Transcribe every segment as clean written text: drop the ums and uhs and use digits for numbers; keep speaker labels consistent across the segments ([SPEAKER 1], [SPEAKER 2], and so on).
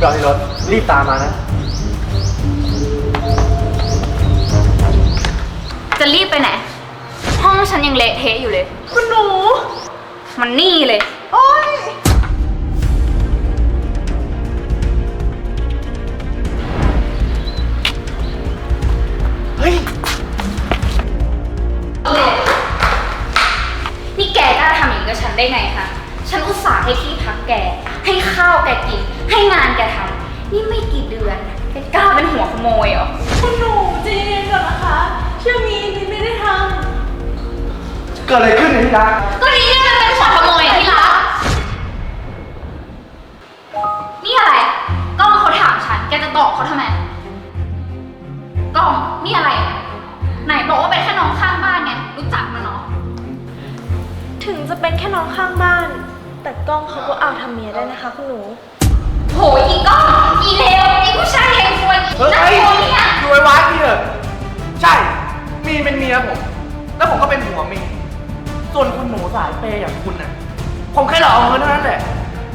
[SPEAKER 1] จอดที่รถรีบตามมานะ
[SPEAKER 2] จะรีบไปไหนห้องฉันยังเละเทะอยู่เลย
[SPEAKER 3] คุณหนู
[SPEAKER 2] มันนี่เลย
[SPEAKER 3] โอ๊ย
[SPEAKER 1] เฮ้ย
[SPEAKER 2] นี่แกกล้าทำอย่างนี้กับฉันได้ไงคะฉันอุตส่าห์ให้ที่พักแกให้ข้าวแกกินให้งานแกทำนี่ไม่กี่เดือนแกกล้าเป็นหัวขโมยเหรอ
[SPEAKER 3] คุณหนูใจเย็นก่อนนะคะเชื่อมีนิดไม่ได้ท
[SPEAKER 1] เกิดอะไรขึ้นเนี่ยที่รัก
[SPEAKER 2] ก็นี่มันเป็นหัวขโมยที่รักนี่อะไรกล้องเขาถามฉันแกจะตอบเขาทำไมกล้องนี่อะไรไหนบอกว่าเป็นแค่น้องข้างบ้านไงรู้จักมันเนาะ
[SPEAKER 3] ำถึงจะเป็นแค่น้องข้างบ้าน แต่กล้องเขาก็เอาทำเมียได้นะคะคุณหนู
[SPEAKER 2] โหอีกล้องอีเลวอีผู้ชายแห่งซวยอีน่ากลัวเนี่ย
[SPEAKER 1] ดูไว้วัดพี่เถอะใช่มีเป็นเมียผมแล้วผมก็เป็นผัวเมียส่วนคุณหนูสายเปย์อย่างคุณน่ะผมแค่หลอกเอาเงินเท่านั้นแหละ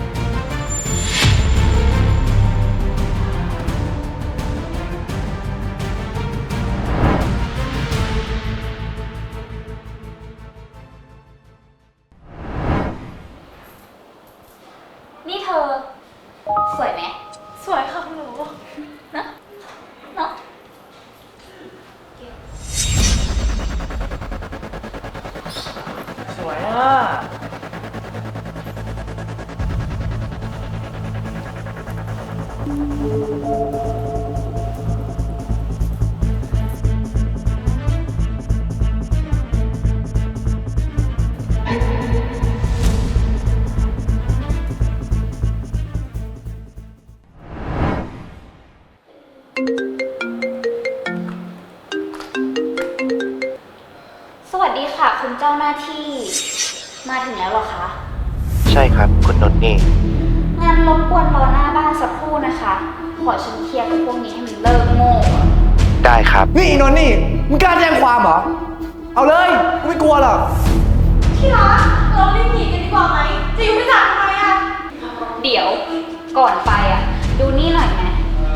[SPEAKER 2] นี่เธอสวยไหม
[SPEAKER 3] สวยค่ะคุณหนู
[SPEAKER 2] นะเนาะ
[SPEAKER 1] สวยอ่ะ
[SPEAKER 2] สวัสดีค่ะคุณเจ้าหน้าที่มาถึงแล้วเหรอคะ
[SPEAKER 4] ใช่ครับคุณนนท์นี่
[SPEAKER 2] งานรบกวนรอหน้าบ้านสักครู่นะคะขอฉันเคลียร์กับพวกนี้ให้มันเลิกโง่
[SPEAKER 4] ได้ครับ
[SPEAKER 1] นี่นนท์นี่มึงกล้าแจ้งความเหรอเอาเลยกูไม่กลัวหรอก
[SPEAKER 3] ที่รักเรารีบหนีกันดีกว่าไหมจะอยู่ไม่จับทำไมอะ
[SPEAKER 2] เดี๋ยวก่อนไปอ่ะดูนี่หน่อยไหม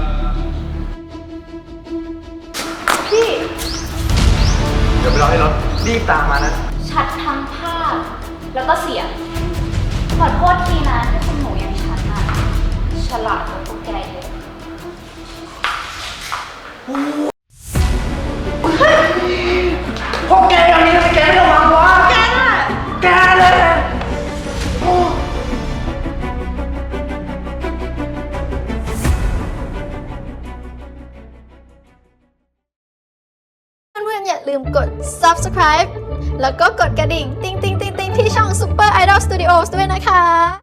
[SPEAKER 3] พี่
[SPEAKER 1] เดี๋ยวไปรอให้รถรีบตามมานะ
[SPEAKER 2] ชัดทั้งภาพแล้วก็เสียงขอโทษทีนะที่คุณหนูอย่างฉันอ่ะฉลาดกว่าพวกแกเยอะ
[SPEAKER 1] พวกแกอย่างนี้ทำไมแกไม่ระวังวะ
[SPEAKER 3] แกน่ะ
[SPEAKER 1] แกเลย
[SPEAKER 5] เพื่อนๆอย่าลืมกด subscribe แล้วก็กดกระดิ่ง ติ๊งๆๆๆที่ช่อง Super Idol Studios ด้วยนะคะ